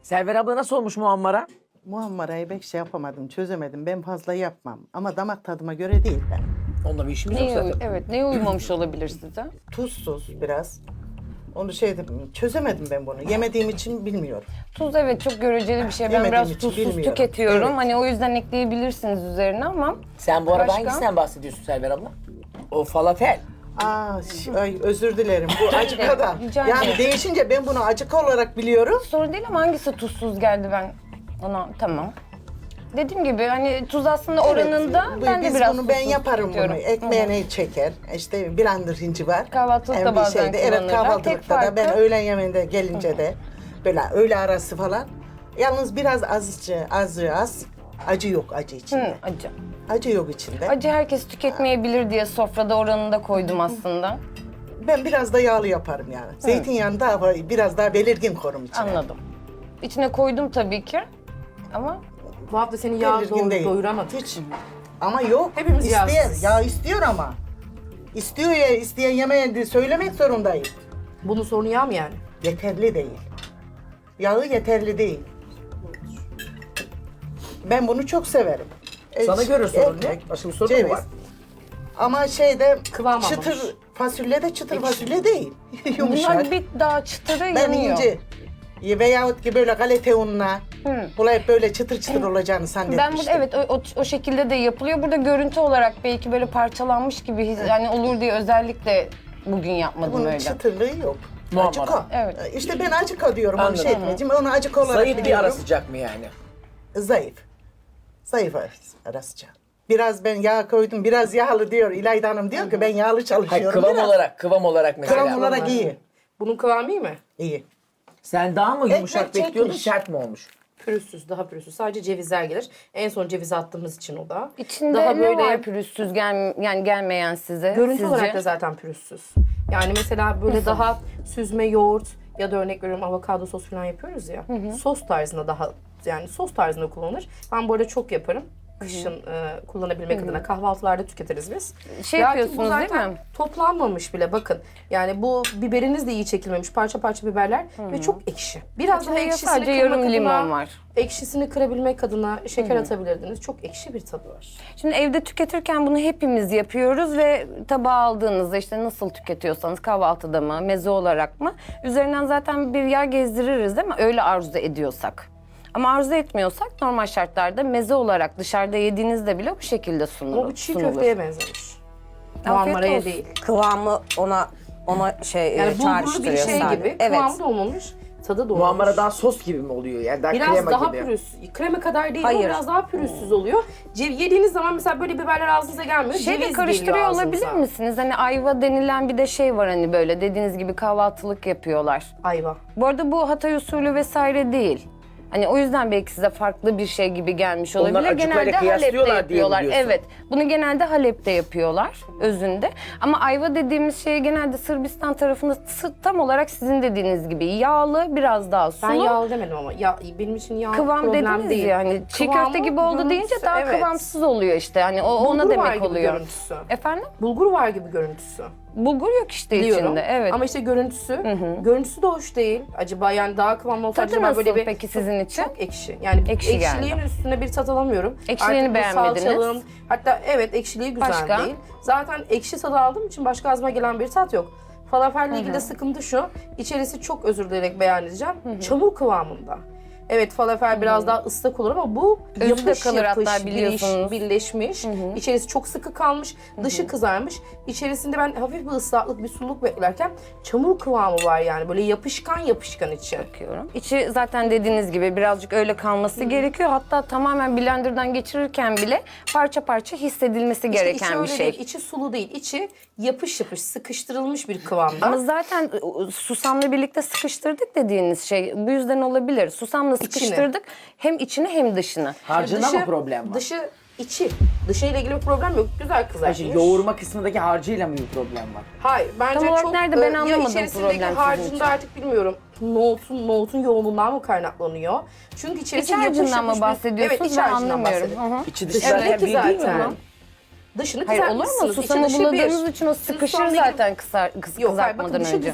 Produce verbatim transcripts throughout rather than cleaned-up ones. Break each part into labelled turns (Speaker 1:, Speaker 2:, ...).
Speaker 1: Server abla nasıl olmuş muhammara?
Speaker 2: Muammarayı pek şey yapamadım, çözemedim. Ben fazla yapmam. Ama damak tadıma göre değil ben.
Speaker 1: Onunla bir işimiz yok
Speaker 3: Neye,
Speaker 1: zaten.
Speaker 3: evet, neye uymamış olabilir size?
Speaker 2: Tuzsuz biraz. Onu şey dedim, çözemedim ben bunu. Yemediğim için bilmiyorum.
Speaker 3: Tuz evet çok göreceli bir şey. Ben
Speaker 2: Yemediğim
Speaker 3: biraz
Speaker 2: için
Speaker 3: tuzsuz
Speaker 2: bilmiyorum.
Speaker 3: tüketiyorum.
Speaker 2: Evet.
Speaker 3: Hani o yüzden ekleyebilirsiniz üzerine ama.
Speaker 1: Sen bu arada
Speaker 3: Başka?
Speaker 1: hangisinden bahsediyorsun Server abla? O falafel.
Speaker 2: Aa, ş- ay, özür dilerim. Bu acıka da.
Speaker 3: Rica
Speaker 2: Yani
Speaker 3: ederim.
Speaker 2: değişince ben bunu acıka olarak biliyorum.
Speaker 3: Sorun değil ama hangisi tuzsuz geldi ben ona tamam. Dediğim gibi hani tuz aslında oranında
Speaker 2: Evet, bu-
Speaker 3: ben de
Speaker 2: biz
Speaker 3: biraz
Speaker 2: bunu ben
Speaker 3: tuzsuz
Speaker 2: yaparım
Speaker 3: tüketiyorum.
Speaker 2: bunu. Ekmeğine çeker. İşte blender hinci var.
Speaker 3: Kahvaltılıkta
Speaker 2: Hem bir
Speaker 3: bazen
Speaker 2: şeyde. Evet
Speaker 3: kullanırlar.
Speaker 2: kahvaltılıkta
Speaker 3: Tek
Speaker 2: da ben
Speaker 3: farkı-
Speaker 2: öğlen yemeğinde gelince de böyle öğle arası falan. Yalnız biraz azıcık azı az. Acı yok acı içinde.
Speaker 3: Hı, acı.
Speaker 2: Acı yok içinde.
Speaker 3: Acı herkes tüketmeyebilir diye sofrada oranında koydum aslında.
Speaker 2: Ben biraz da yağlı yaparım yani. Zeytinyağını daha biraz daha belirgin korum içine.
Speaker 3: Anladım. İçine koydum tabii ki. Ama
Speaker 4: Bu hafta seni yağ
Speaker 2: Belirgin
Speaker 4: doğru
Speaker 2: değil.
Speaker 4: doyuramadı.
Speaker 2: Hiç. Ama yok.
Speaker 4: Hepimiz
Speaker 2: isteyen,
Speaker 4: yağsız.
Speaker 2: ya istiyor ama. İstiyor ya, isteyen yemeğe de söylemek zorundayım.
Speaker 4: Bunun sorunu yağ mı yani?
Speaker 2: Yeterli değil. Yağı yeterli değil. Ben bunu çok severim. E,
Speaker 1: Sana göre sorun
Speaker 2: ekmek,
Speaker 1: ne? Başka bir sorun mu
Speaker 2: ceviz.
Speaker 1: var?
Speaker 2: Ama şeyde
Speaker 4: Kıvam
Speaker 2: çıtır
Speaker 4: almamış.
Speaker 2: fasulye de çıtır fasulye değil. Yumuşak.
Speaker 3: bunlar bir daha çıtırı
Speaker 2: Ben
Speaker 3: yanıyor.
Speaker 2: ince veyahut ki böyle galeta ununa bulayıp böyle çıtır çıtır olacağını
Speaker 3: Ben
Speaker 2: zannetmiştim.
Speaker 3: burada evet o, o, o şekilde de yapılıyor. Burada görüntü olarak belki böyle parçalanmış gibi his- yani olur diye özellikle bugün yapmadım
Speaker 2: Bunun
Speaker 3: öyle.
Speaker 2: çıtırlığı yok.
Speaker 1: Muhammara.
Speaker 2: Acıko.
Speaker 3: Evet.
Speaker 2: İşte ben acıko diyorum onu
Speaker 1: Anladım.
Speaker 2: şey etmeyeceğim. Onu acıko olarak
Speaker 1: Zayıf bir
Speaker 2: biliyorum.
Speaker 1: ara sıcak mı yani?
Speaker 2: Zayıf. Zayıf ara sıcak. Biraz ben yağ koydum, biraz yağlı diyor. İlayda Hanım diyor ki ben yağlı
Speaker 1: Hayır
Speaker 2: çalışıyorum.
Speaker 1: kıvam
Speaker 2: biraz.
Speaker 1: olarak, kıvam olarak mesela.
Speaker 2: Kıvam olarak iyi.
Speaker 4: Bunun kıvamı iyi mi?
Speaker 2: İyi.
Speaker 1: Sen daha mı yumuşak
Speaker 2: Ekmek
Speaker 1: bekliyordun,
Speaker 2: çekmiş.
Speaker 1: sert mi olmuş?
Speaker 4: Pürüzsüz, daha pürüzsüz. Sadece cevizler gelir. En son cevizi attığımız için o da.
Speaker 3: İçinde
Speaker 4: daha
Speaker 3: ne var pürüzsüz gel, yani gelmeyen size?
Speaker 4: Görüntü
Speaker 3: sizce?
Speaker 4: olarak da zaten pürüzsüz. Yani mesela böyle daha süzme yoğurt ya da örnek veriyorum avokado sos falan yapıyoruz ya. Sos tarzında daha yani sos tarzında kullanılır. Ben bu arada çok yaparım. Kışın e, kullanabilmek adına kahvaltılarda tüketiriz biz.
Speaker 3: Şey
Speaker 4: Lakin
Speaker 3: yapıyorsunuz
Speaker 4: bu zaten
Speaker 3: değil mi?
Speaker 4: toplanmamış bile bakın. Yani bu biberiniz de iyi çekilmemiş parça parça biberler ve çok ekşi. Biraz daha
Speaker 3: İçinde
Speaker 4: ekşisini
Speaker 3: sadece
Speaker 4: kırmak
Speaker 3: yarım
Speaker 4: adına,
Speaker 3: limon var.
Speaker 4: ekşisini kırabilmek adına şeker atabilirdiniz. Çok ekşi bir tadı var.
Speaker 3: Şimdi evde tüketirken bunu hepimiz yapıyoruz ve tabağa aldığınızda işte nasıl tüketiyorsanız kahvaltıda mı, meze olarak mı üzerinden zaten bir yağ gezdiririz değil mi? Öyle arzu ediyorsak. Ama arzu etmiyorsak normal şartlarda meze olarak dışarıda yediğinizde bile bu şekilde sunulur.
Speaker 4: Ama bu çiğ
Speaker 3: sunulur.
Speaker 4: köfteye benzemiş. Muammaraya
Speaker 3: olsun.
Speaker 4: değil.
Speaker 5: Kıvamı ona ona şey
Speaker 4: Yani
Speaker 5: e,
Speaker 4: bulgurlu bir
Speaker 5: çağrıştırıyor
Speaker 4: şey
Speaker 5: sadece.
Speaker 4: gibi.
Speaker 5: Evet.
Speaker 4: Kıvamı da olmamış, tadı da olmamış.
Speaker 1: Muhammara daha sos gibi mi oluyor? Yani daha
Speaker 4: Biraz
Speaker 1: krema
Speaker 4: daha
Speaker 1: gibi.
Speaker 4: pürüzsüz. Krema kadar değil ama
Speaker 5: Hayır.
Speaker 4: biraz daha pürüzsüz oluyor. Cev yediğiniz zaman mesela böyle biberler ağzınıza gelmiyor.
Speaker 3: Şey de
Speaker 4: ceviz
Speaker 3: karıştırıyor
Speaker 4: geliyor
Speaker 3: olabilir
Speaker 4: ağzınıza.
Speaker 3: misiniz? Hani ayva denilen bir de şey var hani böyle dediğiniz gibi kahvaltılık yapıyorlar.
Speaker 4: Ayva.
Speaker 3: Bu arada bu Hatay usulü vesaire değil. Hani o yüzden belki size farklı bir şey gibi gelmiş
Speaker 1: Onlar
Speaker 3: olabilir.
Speaker 1: acıkayla
Speaker 3: Genelde Halep'te
Speaker 1: kıyaslıyorlar diye mi
Speaker 3: yapıyorlar.
Speaker 1: diyorsun?
Speaker 3: Evet. Bunu genelde Halep'te yapıyorlar özünde. Ama ayva dediğimiz şey genelde Sırbistan tarafında sı- tam olarak sizin dediğiniz gibi yağlı, biraz daha sulu.
Speaker 4: Ben yağlı demedim ama ya, benim için yağ
Speaker 3: Kıvam
Speaker 4: problem
Speaker 3: dediniz
Speaker 4: değil.
Speaker 3: ya hani çiğ
Speaker 4: Kıvamı,
Speaker 3: köfte gibi oldu deyince
Speaker 4: görüntüsü,
Speaker 3: daha
Speaker 4: evet.
Speaker 3: kıvamsız oluyor işte. Hani o ona
Speaker 4: Bulgur var
Speaker 3: demek
Speaker 4: gibi
Speaker 3: oluyor.
Speaker 4: görüntüsü.
Speaker 3: Efendim?
Speaker 4: Bulgur var gibi görüntüsü.
Speaker 3: Bulgur yok işte
Speaker 4: Biliyorum.
Speaker 3: içinde. Evet.
Speaker 4: Ama işte görüntüsü, görüntüsü de hoş değil. Acaba yani daha kıvamlı olsa
Speaker 3: Tadı
Speaker 4: acaba
Speaker 3: nasıl
Speaker 4: böyle bir
Speaker 3: peki sizin için?
Speaker 4: çok ekşi. Yani
Speaker 3: Ekşi
Speaker 4: ekşiliğin
Speaker 3: geldi.
Speaker 4: üstüne bir tat alamıyorum.
Speaker 3: Ekşiliğini
Speaker 4: Artık bu
Speaker 3: beğenmediniz.
Speaker 4: salçalığın- hatta evet ekşiliği güzel
Speaker 3: Başka?
Speaker 4: değil. Zaten ekşi tadı aldığım için başka ağzıma gelen bir tat yok. Falafelle ilgili de sıkıntı şu. İçerisi çok özür dileyerek beyan edeceğim. Çamur kıvamında. Evet falafel biraz daha ıslak olur ama bu
Speaker 3: Özü de
Speaker 4: yapış
Speaker 3: kalır
Speaker 4: yapış,
Speaker 3: hatta
Speaker 4: biriş,
Speaker 3: biliyorsunuz.
Speaker 4: birleşmiş. İçerisi çok sıkı kalmış, dışı kızarmış. İçerisinde ben hafif bir ıslaklık, bir sululuk beklerken çamur kıvamı var yani. Böyle yapışkan yapışkan içi.
Speaker 3: Bakıyorum. İçi zaten dediğiniz gibi birazcık öyle kalması gerekiyor. Hatta tamamen blenderdan geçirirken bile parça parça hissedilmesi
Speaker 4: İşte içi
Speaker 3: gereken bir
Speaker 4: öyle
Speaker 3: şey.
Speaker 4: değil, içi sulu değil. İçi yapış yapış, sıkıştırılmış bir kıvamda.
Speaker 3: Ama zaten ı, susamla birlikte sıkıştırdık dediğiniz şey bu yüzden olabilir. Susamla sıkıştırdık hem içini hem dışını.
Speaker 1: Harcında mı problem var?
Speaker 4: Dışı, içi. Dışıyla ilgili bir problem yok. Güzel
Speaker 1: Hayır,
Speaker 4: kızartmış.
Speaker 1: şimdi yoğurma kısmındaki harcıyla mı bir problem var?
Speaker 4: Hayır, bence
Speaker 3: Tam olarak
Speaker 4: çok...
Speaker 3: nerede ben
Speaker 4: e,
Speaker 3: anlamadım
Speaker 4: ya içerisindeki
Speaker 3: problem sizin
Speaker 4: harcında
Speaker 3: için.
Speaker 4: artık bilmiyorum. Nohutun, nohutun yoğunluğundan mı kaynaklanıyor? Çünkü içerisi
Speaker 3: İç harcından
Speaker 4: yapış
Speaker 3: mı
Speaker 4: yapış bir-
Speaker 3: bahsediyorsunuz?
Speaker 4: Evet, iç
Speaker 3: Ben
Speaker 4: harcından
Speaker 3: anlamıyorum.
Speaker 4: bahsediyorum.
Speaker 3: Hı hı.
Speaker 1: İçi dışı
Speaker 4: Dışındaki
Speaker 1: zaten bir değil mi
Speaker 4: zaten.
Speaker 1: bunun?
Speaker 4: Dışını
Speaker 3: Hayır olur mu?
Speaker 4: kızartmışsınız. İçi
Speaker 3: Susamı
Speaker 4: dışı
Speaker 3: buladığınız
Speaker 4: bir.
Speaker 3: için o
Speaker 4: Siz
Speaker 3: sıkışır
Speaker 4: soğandaki-
Speaker 3: zaten kısar, kıs,
Speaker 4: Yok hayır bakın
Speaker 3: kızartmadan
Speaker 4: dışı
Speaker 3: önce.
Speaker 4: güzel.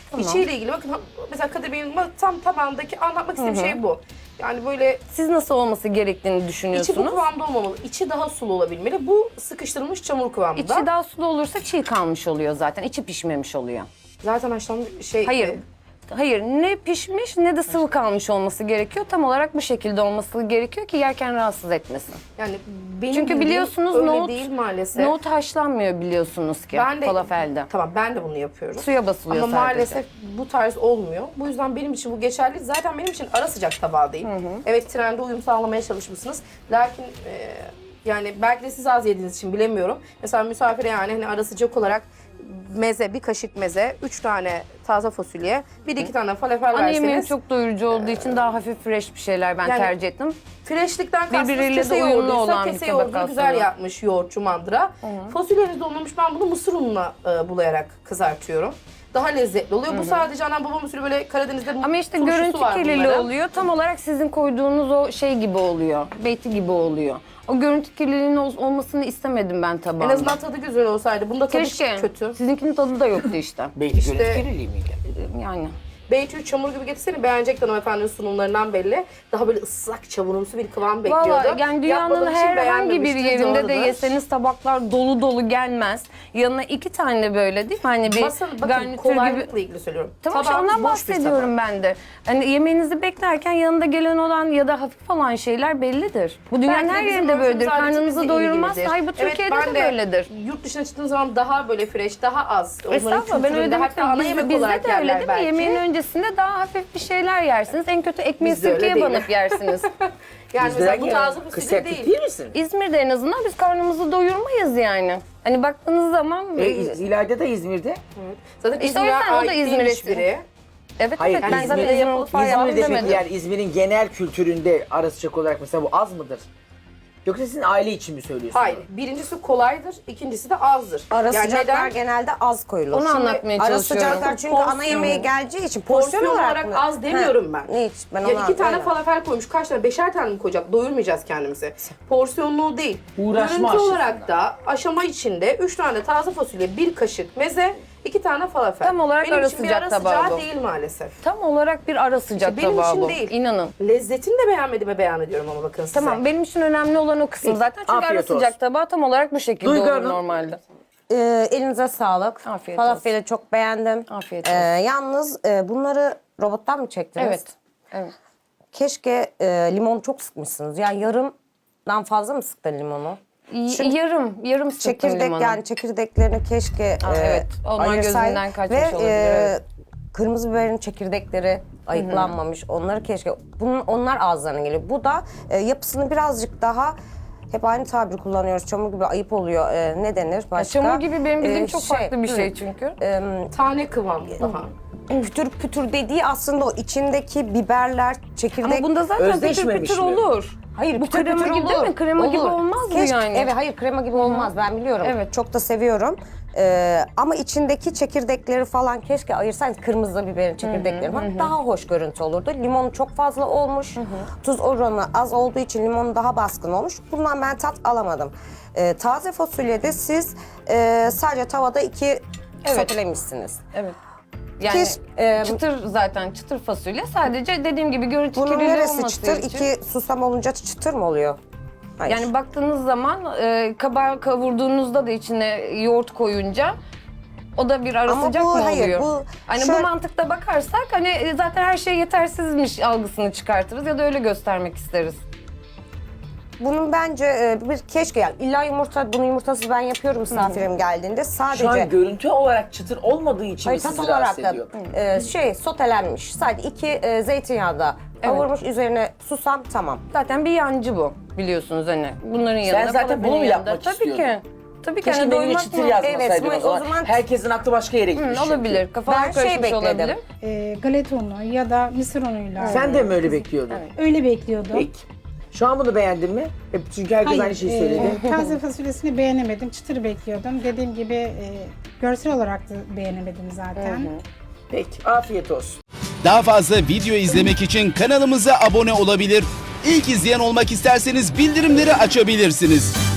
Speaker 4: İçiyle ilgili bakın mesela Kadir Bey'in tam tabağındaki anlatmak istediğim şey bu. Yani böyle
Speaker 3: Siz nasıl olması gerektiğini
Speaker 4: içi bu
Speaker 3: düşünüyorsunuz?
Speaker 4: kıvamda olmamalı. İçi daha sulu olabilmeli. Bu sıkıştırılmış çamur kıvamında.
Speaker 3: İçi daha sulu olursa çiğ kalmış oluyor zaten. İçi pişmemiş oluyor.
Speaker 4: Zaten haşlanmış şey...
Speaker 3: Hayır.
Speaker 4: e,
Speaker 3: Hayır, ne pişmiş ne de sıvı kalmış olması gerekiyor. Tam olarak bu şekilde olması gerekiyor ki yerken rahatsız etmesin.
Speaker 4: Yani benim
Speaker 3: Çünkü
Speaker 4: bildiğim
Speaker 3: biliyorsunuz
Speaker 4: öyle
Speaker 3: nohut,
Speaker 4: değil maalesef.
Speaker 3: nohut haşlanmıyor biliyorsunuz ki
Speaker 4: Ben de,
Speaker 3: falafelde.
Speaker 4: Tamam ben de bunu yapıyorum.
Speaker 3: Suya basılıyor
Speaker 4: Ama
Speaker 3: sadece.
Speaker 4: maalesef bu tarz olmuyor. Bu yüzden benim için bu geçerli. Zaten benim için ara sıcak tabağı değil. Evet trende uyum sağlamaya çalışmışsınız. Lakin e, yani belki de siz az yediğiniz için bilemiyorum. Mesela misafire yani hani ara sıcak olarak meze, bir kaşık meze, üç tane taze fasulye, bir iki tane falafel
Speaker 3: Ana yemeğim
Speaker 4: verseniz.
Speaker 3: çok doyurucu olduğu için daha hafif fresh bir şeyler ben
Speaker 4: Yani-
Speaker 3: tercih ettim.
Speaker 4: Freşlikten kastınız
Speaker 3: Birbiriyle
Speaker 4: kese
Speaker 3: de uyumlu
Speaker 4: yoğurduysa
Speaker 3: olan bir
Speaker 4: kese
Speaker 3: tabak
Speaker 4: yoğurdunu güzel
Speaker 3: aslında.
Speaker 4: yapmış yoğurtçu mandıra. Fasulyeniz dolmamış, ben bunu mısır ununa e, bulayarak kızartıyorum. Daha lezzetli oluyor. Bu sadece anam babam usulü böyle Karadeniz'de
Speaker 3: Ama işte
Speaker 4: turşusu
Speaker 3: görüntü
Speaker 4: var
Speaker 3: kirliliği
Speaker 4: bunların.
Speaker 3: oluyor. Tam olarak sizin koyduğunuz o şey gibi oluyor. Beyti gibi oluyor. O görüntü kirliliğinin ol- olmasını istemedim ben
Speaker 4: En
Speaker 3: tabağımda.
Speaker 4: azından tadı güzel olsaydı. Bunda tadı
Speaker 3: Keşke.
Speaker 4: kötü.
Speaker 3: Sizinkinin tadı da yoktu işte.
Speaker 1: Belki
Speaker 4: İşte-
Speaker 1: görüntü kirliliği miydi?
Speaker 3: Yani.
Speaker 4: Beytül çamur gibi getirsene beğenecek hanımefendinin sunumlarından belli. Daha böyle ıslak çamurumsu bir kıvam bekliyordu.
Speaker 3: Valla yani dünyanın
Speaker 4: Yapmadığım için
Speaker 3: herhangi bir
Speaker 4: beğenmemiştir,
Speaker 3: yerinde de
Speaker 4: doğrudur.
Speaker 3: yeseniz tabaklar dolu dolu gelmez. Yanına iki tane böyle değil mi? Hani bir
Speaker 4: Masa, bakın
Speaker 3: garnitür gibi.
Speaker 4: kolaylıkla ilgili söylüyorum.
Speaker 3: Tamam işte
Speaker 4: Tabağımız
Speaker 3: ondan
Speaker 4: boş bir
Speaker 3: bahsediyorum
Speaker 4: tabak.
Speaker 3: ben de. Hani yemeğinizi beklerken yanında gelen olan ya da hafif olan şeyler bellidir. Bu dünyanın
Speaker 4: Belki de
Speaker 3: her
Speaker 4: bizim
Speaker 3: yerinde böyledir.
Speaker 4: örfümüz,
Speaker 3: Karnınızı
Speaker 4: adetimizle
Speaker 3: doyurmaz.
Speaker 4: ilgilidir.
Speaker 3: Hayır bu
Speaker 4: Evet,
Speaker 3: Türkiye'de
Speaker 4: ben
Speaker 3: de böyledir.
Speaker 4: Yurt dışına çıktığım zaman daha böyle fresh, daha az. Onların
Speaker 3: Estağfurullah ben öyle
Speaker 4: kültüründe,
Speaker 3: demek
Speaker 4: hatta ana
Speaker 3: istedim.
Speaker 4: yemek
Speaker 3: Bizde,
Speaker 4: olarak
Speaker 3: bizde de öyle
Speaker 4: yerler
Speaker 3: değil mi?
Speaker 4: belki.
Speaker 3: Yemeğin öncesinde daha hafif bir şeyler yersiniz. En kötü ekmeği
Speaker 4: Bizde öyle
Speaker 3: sirkeye
Speaker 4: değil.
Speaker 3: banıp yersiniz.
Speaker 4: Yani
Speaker 1: Bizde
Speaker 4: mesela bu
Speaker 1: ya.
Speaker 4: taze
Speaker 1: Kız
Speaker 4: fasulye
Speaker 1: sertlik
Speaker 4: değil.
Speaker 1: değil misin?
Speaker 3: İzmir'de en azından biz karnımızı doyurmayız yani. Hani baktığınız zaman...
Speaker 1: E, İz- İlayda da İzmir'de.
Speaker 4: Zaten
Speaker 3: İşte o
Speaker 4: İzmir'e
Speaker 3: yüzden o da
Speaker 4: ait
Speaker 3: İzmir
Speaker 4: değilmiş
Speaker 3: espri.
Speaker 4: biri.
Speaker 3: Evet
Speaker 1: Hayır,
Speaker 3: evet ben zaten
Speaker 1: İzmir'de
Speaker 3: İzmir mutfağı yaptım
Speaker 1: İzmir'de peki
Speaker 3: demedim.
Speaker 1: yani İzmir'in genel kültüründe ara sıcak olarak mesela bu az mıdır? Yoksa sizin aile için mi söylüyorsunuz?
Speaker 4: Hayır. Birincisi kolaydır, ikincisi de azdır.
Speaker 5: Ara
Speaker 4: Yani
Speaker 5: sıcaklar
Speaker 4: neden?
Speaker 5: genelde az koyulur.
Speaker 3: Onu
Speaker 5: Şimdi
Speaker 3: anlatmaya
Speaker 5: Ara
Speaker 3: çalışıyorum.
Speaker 5: sıcaklar çünkü
Speaker 4: Porsiyon-
Speaker 5: ana yemeğe geleceği için porsiyon,
Speaker 4: Porsiyon
Speaker 5: olarak,
Speaker 4: olarak
Speaker 5: mı?
Speaker 4: az demiyorum
Speaker 5: Ha,
Speaker 4: ben.
Speaker 5: Hiç ben
Speaker 4: Ya
Speaker 5: ona
Speaker 4: iki tane
Speaker 5: öyle.
Speaker 4: falafel koymuş, kaç tane? Beşer tane mi koyacak? Doyurmayacağız kendimizi. Porsiyonluğu değil.
Speaker 1: Uğraşma
Speaker 4: Görüntü
Speaker 1: aşısında.
Speaker 4: olarak da aşama içinde üç tane taze fasulye, bir kaşık meze, iki tane falafel.
Speaker 3: Tam olarak
Speaker 4: Benim
Speaker 3: ara
Speaker 4: için bir
Speaker 3: sıcak
Speaker 4: ara
Speaker 3: tabağı
Speaker 4: sıcağı
Speaker 3: bu.
Speaker 4: değil maalesef.
Speaker 3: Tam olarak bir ara sıcak
Speaker 4: İşte benim
Speaker 3: tabağı
Speaker 4: için
Speaker 3: bu.
Speaker 4: değil.
Speaker 3: İnanın.
Speaker 4: Lezzetini de beğenmediğime beyan ediyorum ama bakın size.
Speaker 3: Tamam benim için önemli olan o kısım zaten. Çünkü
Speaker 1: Afiyet
Speaker 3: ara sıcak
Speaker 1: olsun.
Speaker 3: tabağı tam olarak bu şekilde
Speaker 1: Duygu
Speaker 3: olur
Speaker 1: Hanım.
Speaker 3: normalde.
Speaker 5: Ee, elinize sağlık.
Speaker 3: Afiyet
Speaker 5: Falafeli çok beğendim.
Speaker 3: Afiyet
Speaker 5: Ee,
Speaker 3: olsun.
Speaker 5: yalnız e, bunları robottan mı çektiniz?
Speaker 3: Evet. Evet.
Speaker 5: Keşke e, limonu çok sıkmışsınız. Yani yarımdan fazla mı sıktın limonu?
Speaker 3: Y- yarım, yarım sıktım
Speaker 5: Çekirdek
Speaker 3: limonu.
Speaker 5: yani çekirdeklerini keşke
Speaker 3: Aa,
Speaker 5: e,
Speaker 3: evet. Onlar
Speaker 5: ayırsaydın.
Speaker 3: gözünden kaçmış
Speaker 5: Ve,
Speaker 3: olabilir,
Speaker 5: e,
Speaker 3: evet.
Speaker 5: kırmızı biberin çekirdekleri ayıklanmamış. Onları keşke bunun onlar ağızlarına geliyor. Bu da e, yapısını birazcık daha hep aynı tabiri kullanıyoruz. Çamur gibi ayıp oluyor. E, ne denir başka?
Speaker 3: Çamur gibi benim bildiğim
Speaker 5: E,
Speaker 3: çok farklı bir
Speaker 5: hı,
Speaker 3: şey çünkü.
Speaker 4: Tane kıvam daha.
Speaker 5: Pütür pütür dediği aslında o içindeki biberler, çekirdek.
Speaker 3: Ama bunda zaten pütür
Speaker 1: Özdeşmemiş
Speaker 3: pütür
Speaker 1: mi?
Speaker 3: olur.
Speaker 5: Hayır,
Speaker 3: bu
Speaker 5: pütür
Speaker 3: krema
Speaker 5: pütür
Speaker 3: gibi
Speaker 5: olur.
Speaker 3: değil mi? Krema gibi
Speaker 5: Olur.
Speaker 3: olmaz mı
Speaker 5: Keşke-
Speaker 3: yani?
Speaker 5: Evet, hayır krema gibi olmaz. Ben biliyorum.
Speaker 3: Evet.
Speaker 5: Çok da seviyorum. Ee, ama içindeki çekirdekleri falan keşke ayırsaydınız. Kırmızı biberin çekirdekleri falan daha hoş görüntü olurdu. Limon çok fazla olmuş. Tuz oranı az olduğu için limonu daha baskın olmuş. Bundan ben tat alamadım. Ee, taze fasulyede siz e, sadece tavada iki
Speaker 3: Evet.
Speaker 5: sotelemişsiniz.
Speaker 3: Evet. Yani
Speaker 5: Keş- e,
Speaker 3: çıtır zaten çıtır fasulye. Sadece dediğim gibi görüntü
Speaker 5: Bunun
Speaker 3: kirliliği
Speaker 5: neresi
Speaker 3: olması
Speaker 5: çıtır?
Speaker 3: için.
Speaker 5: İki susam olunca çıtır mı oluyor? Hayır.
Speaker 3: Yani baktığınız zaman e, kabağı kavurduğunuzda da içine yoğurt koyunca o da bir ara
Speaker 5: Ama
Speaker 3: sıcak
Speaker 5: bu-
Speaker 3: mı
Speaker 5: hayır,
Speaker 3: oluyor?
Speaker 5: bu
Speaker 3: hani
Speaker 5: şöyle-
Speaker 3: bu mantıkta bakarsak hani e, zaten her şey yetersizmiş algısını çıkartırız ya da öyle göstermek isteriz.
Speaker 5: Bunun bence e, bir keşke yani illa yumurta, bunu yumurtasız ben yapıyorum misafirim geldiğinde. Sadece
Speaker 1: Şu an görüntü olarak çıtır olmadığı için mi
Speaker 5: hayır, tat
Speaker 1: sizi
Speaker 5: olarak
Speaker 1: rahatsız
Speaker 5: da
Speaker 1: ediyor?
Speaker 5: e, şey sotelenmiş. Sadece iki e, zeytinyağda kavurmuş, üzerine susam tamam.
Speaker 3: Zaten bir yancı bu biliyorsunuz hani. Bunların yanında
Speaker 1: zaten
Speaker 3: falafelin
Speaker 1: bunu mu
Speaker 3: yanında.
Speaker 1: yapmak
Speaker 3: Tabii
Speaker 1: istiyordun?
Speaker 3: ki. Tabii ki
Speaker 1: Keşke
Speaker 3: hani
Speaker 1: menüye
Speaker 3: doymak
Speaker 1: çıtır
Speaker 3: mı?
Speaker 1: yazmasaydın
Speaker 5: Evet,
Speaker 1: o zaman.
Speaker 5: o zaman-
Speaker 1: Herkesin aklı başka yere gitmiş.
Speaker 3: Hı, olabilir. Kafalar
Speaker 5: Ben şey
Speaker 3: karışmış
Speaker 5: bekledim.
Speaker 3: olabilir.
Speaker 6: e, galeta unu ya da mısır unuyla.
Speaker 1: Sen de mi öyle bekliyordun?
Speaker 6: Öyle bekliyordum.
Speaker 1: Peki. Şu an bunu beğendin mi? Hep çünkü herkes
Speaker 6: Hayır,
Speaker 1: aynı şeyi
Speaker 6: e,
Speaker 1: söyledi.
Speaker 6: taze fasulyesini beğenemedim. Çıtır bekliyordum. Dediğim gibi e, görsel olarak da beğenemedim zaten.
Speaker 1: Peki, afiyet olsun.
Speaker 7: Daha fazla video izlemek için kanalımıza abone olabilir. İlk izleyen olmak isterseniz bildirimleri açabilirsiniz.